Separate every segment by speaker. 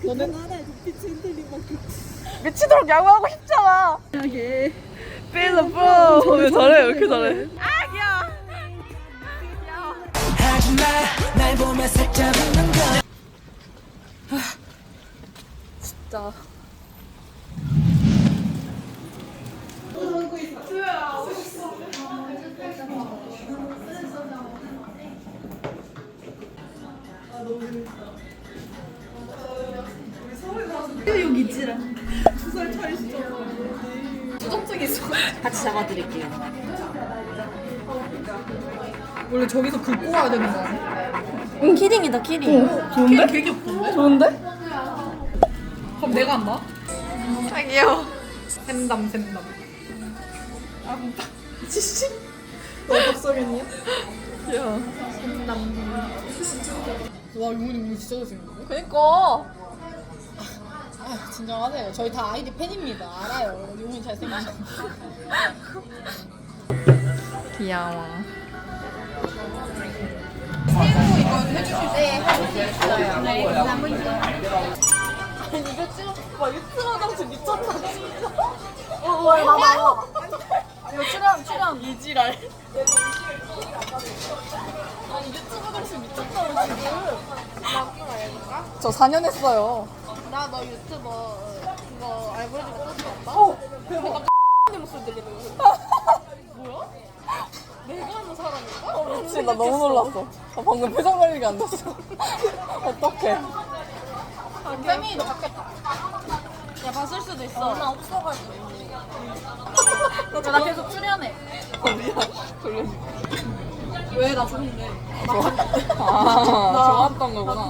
Speaker 1: 너는 나라에 빛이 흔들림만큼
Speaker 2: 미치도록 야구하고 싶잖아.
Speaker 1: 하게
Speaker 2: Feel the flow. 왜 잘해? 왜 이렇게 잘해? 아 귀여워.
Speaker 3: 하지마 날 보며 살짝 웃는 거
Speaker 2: 진짜.
Speaker 1: 여기 있지라 2살 차이시죠?
Speaker 2: 수족증 있어.
Speaker 1: 같이 잡아드릴게요. 원래 저기서 긁고 와야 되는 거 아니야?
Speaker 2: 응 키링이다 키링. 좋은데?
Speaker 1: 되게 귀엽던데?
Speaker 2: 좋은데?
Speaker 1: 그럼 내가 한다.
Speaker 2: 아 귀여워.
Speaker 1: 샘담. 아, 지씨. 너 박성현이야?
Speaker 2: 귀여워.
Speaker 1: 와, 유문이 오늘 진짜 잘생겼네.
Speaker 2: 그니까.
Speaker 1: 아, 진정하세요. 저희 다 아이디 팬입니다. 알아요. 유문이 잘생겼어.
Speaker 2: 귀여워.
Speaker 1: 새우 이건 해주실 수 있어요.
Speaker 2: 네, 감사합니다. 아니 이거 지금 와 유튜브 정치 미쳤다 진짜. 와 봐봐요. 이거 출연 이지랄. 아니 유튜브 정치 미쳤다 지금. 저 4년 했어요.
Speaker 4: 나 너 유튜버 그거 알고리즘 떴어 봤다?
Speaker 2: 어 대박.
Speaker 4: 내 목소리 들리는 거 뭐야? 내가 하는 사람인가?
Speaker 2: 미친 나 너무 놀랐어. 나 방금 표정 관리가 안 됐어. 어떡해.
Speaker 4: 태민이도 봤겠다. 야 봤을 수도 있어. 나 없어가지고. 나 계속 출연해.
Speaker 2: 어디야? 돌려줘.
Speaker 1: 왜? 나 좋은데.
Speaker 2: 좋았던 거구나.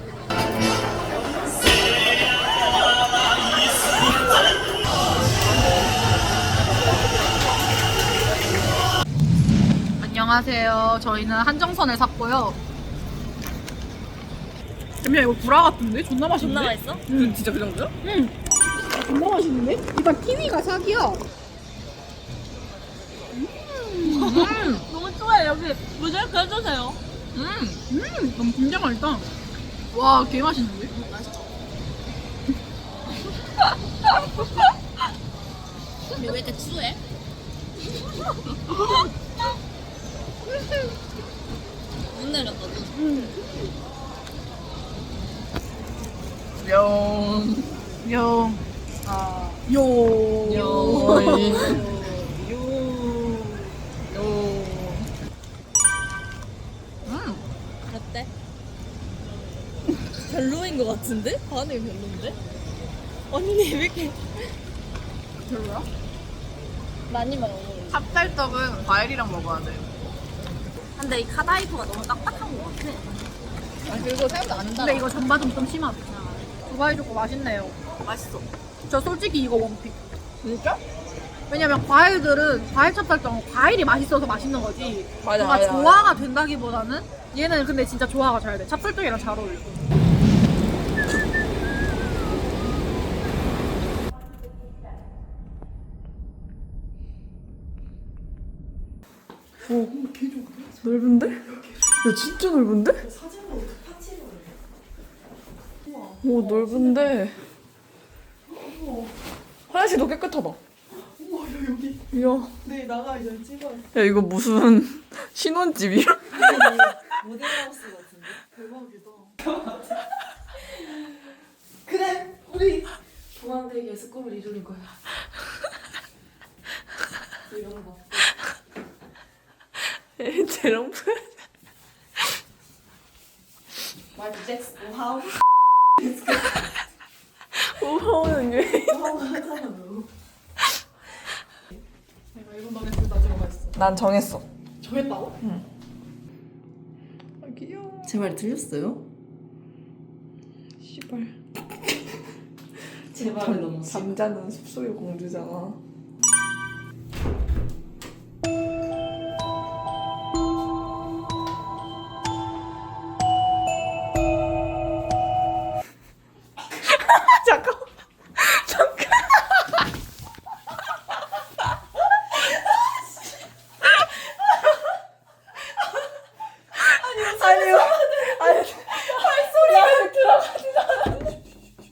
Speaker 1: 안녕하세요. 저희는 한정선을 샀고요. 야, 이거 구라 같은데? 존나 맛있는데?
Speaker 4: 존나 맛있어?
Speaker 2: 진짜 그 정도야?
Speaker 1: 존나 맛있는데? 일단 키위가 사기야.
Speaker 4: 너무 좋아해. 여기 모자이크 해주세요.
Speaker 1: 너무 진짜 맛있다. 와, 개 맛있는데?
Speaker 4: 근데 왜 이렇게 추해? 눈 내렸다.
Speaker 2: 영.
Speaker 1: 영.
Speaker 2: 아.
Speaker 1: 요.
Speaker 2: 요.
Speaker 4: 어때? 별로인 것 같은데? 반응이 별로인데? 언니 왜 이렇게
Speaker 1: 별로야?
Speaker 4: 많이 먹어?
Speaker 2: 찹쌀떡은 과일이랑 먹어야 돼.
Speaker 4: 근데 이 카다이프가 너무 딱딱한 것 같아.
Speaker 1: 아니, 그리고 생각도 안 달아. 근데 이거 전바좀 좀 심하다. 두바이 초코 맛있네요.
Speaker 2: 맛있어.
Speaker 1: 저 솔직히 이거 원픽.
Speaker 2: 진짜?
Speaker 1: 왜냐면 과일들은 과일 찹쌀떡은 과일이 맛있어서 맛있는 거지.
Speaker 2: 맞아,
Speaker 1: 뭔가
Speaker 2: 맞아,
Speaker 1: 조화가 된다기보다는 얘는 근데 진짜 조화가 잘 돼. 찹쌀떡이랑 잘 어울려.
Speaker 2: 넓은데? 야 진짜 넓은데? 오 넓은데. 화장실도 깨끗하다. 우와 야 여기. 이야.
Speaker 1: 네 나가 이제 찍어.
Speaker 2: 야 이거 무슨 신혼집이야?
Speaker 1: 모델하우스 같은데? 대박이다. 그래 우리 중앙대기에서 꿈을 이루는 거야. 이런 거.
Speaker 2: 제롬
Speaker 1: 마이클 잭슨 오하우.
Speaker 2: 오하오는 왜?
Speaker 1: 오하우 하잖아 너. 내가 이런 노래 둘다 들어가 있어.
Speaker 2: 난 정했어.
Speaker 1: 정했다고? 응. 아 귀여워.
Speaker 5: 제 말 들렸어요?
Speaker 2: 씨발.
Speaker 5: 제 말을 너무
Speaker 2: 잠자는 숲속의 공주잖아. 잠깐. 아니, 할 소리가 들어가지 않았는데.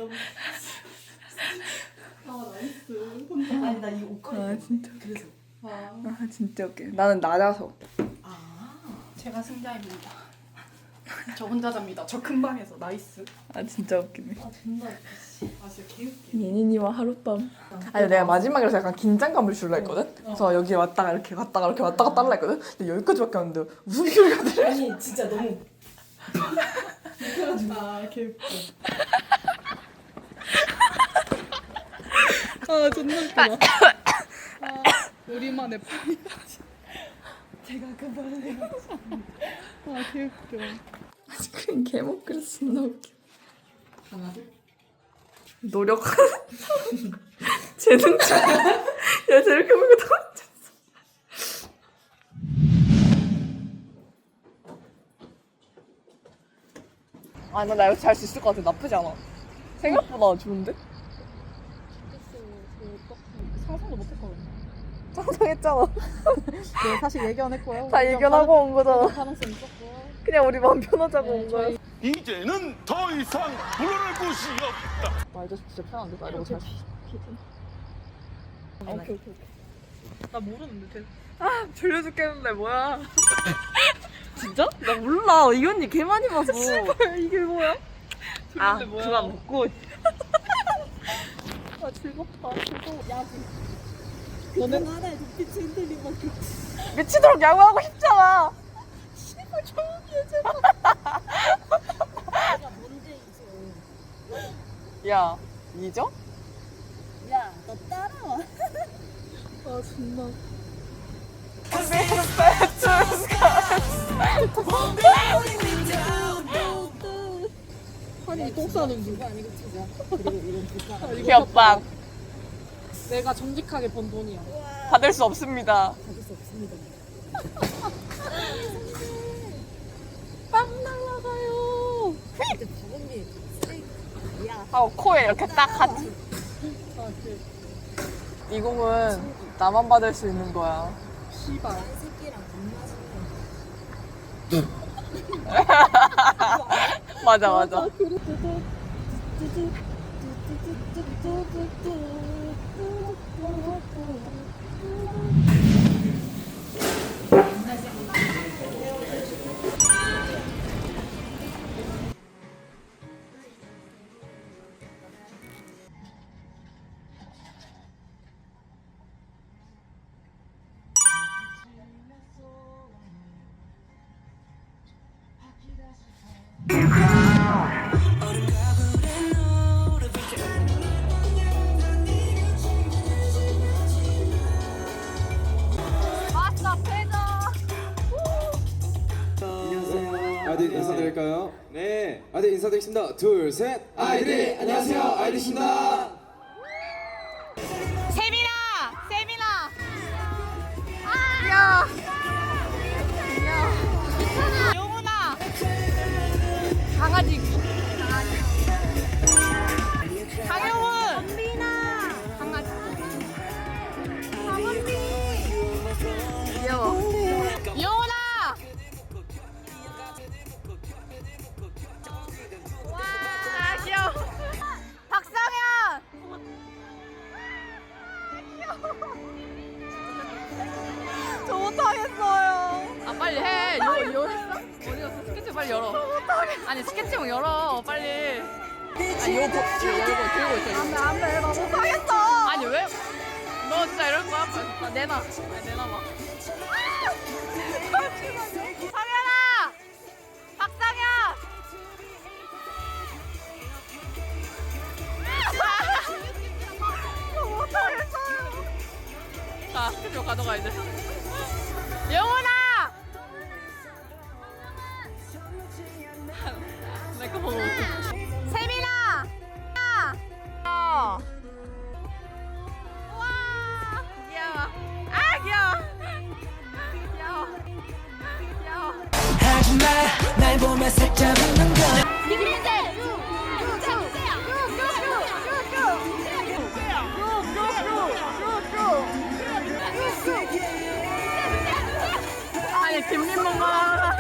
Speaker 2: 아니 나 이 옷걸이.
Speaker 5: 아 진짜
Speaker 2: 그래서.
Speaker 5: 아 진짜 웃겨. 나는 낮아서.
Speaker 1: 제가 승자입니다. 저 혼자 잡니다. 저 큰 방에서 나이스.
Speaker 5: 아 진짜 웃기네.
Speaker 2: 아 존나 웃기지. 아 진짜 개웃기.
Speaker 5: 예린이와 하룻밤. 아니 내가 마지막이라서 약간 긴장감을 줄라 했거든. 그래서 여기 왔다가 이렇게 갔다가 이렇게 왔다 갔다 하려 했거든. 근데 여기까지밖에 안 돼. 무슨 소리가 들려?
Speaker 2: 아니 진짜 너무. 아 개웃겨.
Speaker 1: 아 존나 웃기다. 아, 우리만의 파이어지. 제가 그 발을 해가지고. 아 개웃겨.
Speaker 5: 그냥 개목 그래서 존나 웃겨.
Speaker 2: 하나 둘.
Speaker 5: 노력하는 재능자. 야 저렇게 보고 다 앉았어. 아나 이거 잘 수 있을 것 같아. 나쁘지 않아. 생각보다 좋은데?
Speaker 1: 상상도 못했거든요.
Speaker 5: 상상했잖아.
Speaker 1: 네, 사실 예견했고요.
Speaker 5: 다 예견하고 온 거잖아.
Speaker 1: 가능성 있었고.
Speaker 5: 그냥 우리 마음 편하자고 온 거야.
Speaker 6: 이제는 더 이상 물러날 곳이 없다.
Speaker 5: 말도 진짜 편한데 나 이거 잘 수 있어.
Speaker 1: 오케이. 나 모르는데.
Speaker 5: 아 졸려 죽겠는데 뭐야? 진짜? 나 몰라. 이 언니 개 많이 봐서. 씨발 이게 뭐야? 아
Speaker 1: 뭐야?
Speaker 5: 그만 먹고.
Speaker 1: 아 즐겁다. 즐거워. 야구. 너는 하나의 눈빛이 흔들린 만큼.
Speaker 5: 미치도록 야구하고 싶잖아.
Speaker 1: 제발 조용히 해 제발.
Speaker 5: 야 이죠?
Speaker 1: 너 따라와. 아 존나. 아니 똥 싸는 누가 아니고 진짜. 그리고 이런 불쌍한.
Speaker 5: 귀엽다.
Speaker 1: 내가 정직하게 번 돈이야.
Speaker 5: 받을 수 없습니다.
Speaker 1: 받을 수 없습니다. 빵 날라가요. 근데 박은미 쓰레기야.
Speaker 5: 하고 코에 이렇게 딱 하지.
Speaker 1: 아 그.
Speaker 5: 이 공은 나만 받을 수 있는 거야.
Speaker 1: 씨발.
Speaker 5: 맞아 맞아.
Speaker 7: 아이들 인사드릴까요? 네. 아이들 인사드리겠습니다. 둘, 셋. 아이들 안녕하세요. 아이들입니다.
Speaker 1: 세민아! 야! 영훈아! 강아지. 강영훈! 원빈아! 강아지. 강원빈! 귀여워. 영훈아! 와, 귀여워. 박상현! 저 못하겠어요. 아 빨리 해. 이거 했어? 어디 갔어? 스케치 빨리 열어. 아니 스케치북 열어 빨리. 아니 이거 열고 들고 있어. 안돼 나 못하겠어. 아니 왜? 너 진짜 이럴 거야? 아, 내놔. 아니 내놔봐. 상현아! 박상현! 저 못하겠어요. 자, 스케치북 가져가 이제. 영훈아! 내거 보고 세민아! 와 귀여워. 아 귀여워. 귀여워.
Speaker 3: 하지마 날 보며 살짝 웃는 건
Speaker 1: 아니 김민모가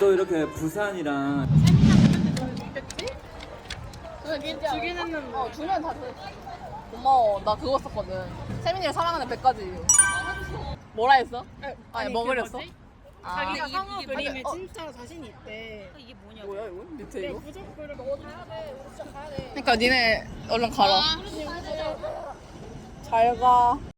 Speaker 8: 또 이렇게 부산이랑
Speaker 1: 주긴 했는데. 주면 다 돼. 고마워. 나 그거 썼거든. 세민이를 사랑하는 100가지. 뭐라 했어? 아니 뭐 그렸어?
Speaker 4: 자기가 상어
Speaker 1: 그림에
Speaker 4: 진짜 자신이 있대. 이게 뭐냐고.
Speaker 5: 뭐야 이거? 밑에 이거?
Speaker 4: 무조건 그래. 너 가야 돼. 진짜 가야 돼.
Speaker 1: 그러니까 니네 얼른 가라.
Speaker 5: 잘 가.